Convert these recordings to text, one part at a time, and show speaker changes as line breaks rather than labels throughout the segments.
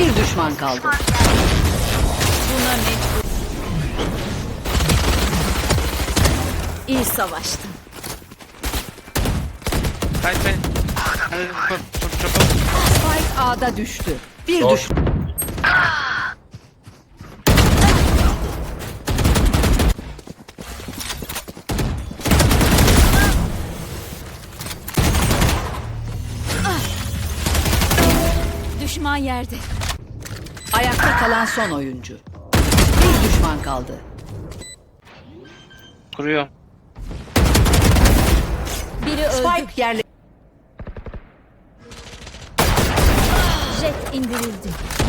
Bir düşman kaldı.
Buna mecbur. İyi savaştın.
Hayır be. Çok.
Spike A'da düştü. Bir
Doğru.
düşman.
Düşman yerde.
Ayakta kalan son oyuncu. Bir düşman kaldı.
Kuruyor.
Biri öldü.
Spike yerle...
Jet indirildi.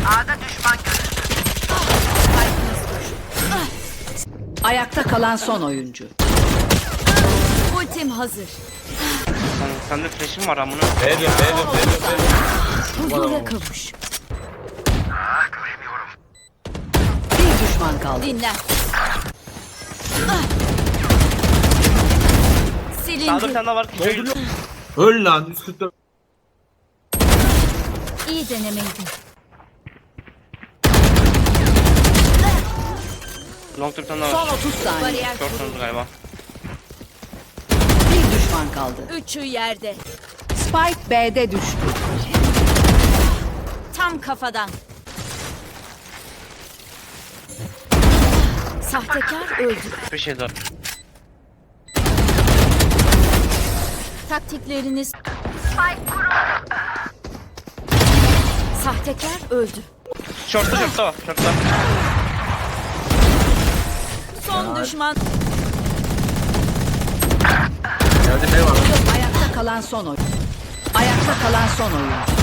Ayakta kalan son oyuncu.
Ultim hazır.
Sende flash'im var amına.
Veriyorum.
Huzura kavuş.
Bir düşman kaldı.
Dinlen.
Sağda bir
Silindi.
tane daha var.
Dolduruyor. Öl lan 144.
İyi denemeydi.
Long bir tane daha var.
Son 30 saniye.
Bariyer
Short
kuruldu.
döndü galiba.
Bir düşman kaldı.
Üçü yerde.
Spike B'de düştü.
Tam kafadan. Sahtekar öldü.
Bir şey daha.
Taktikleriniz... Sahtekar öldü.
Short'ta var. Short'ta.
Son düşman.
Geldi ne var?
Ayakta kalan son oyuncu. Ayakta kalan son oyuncu.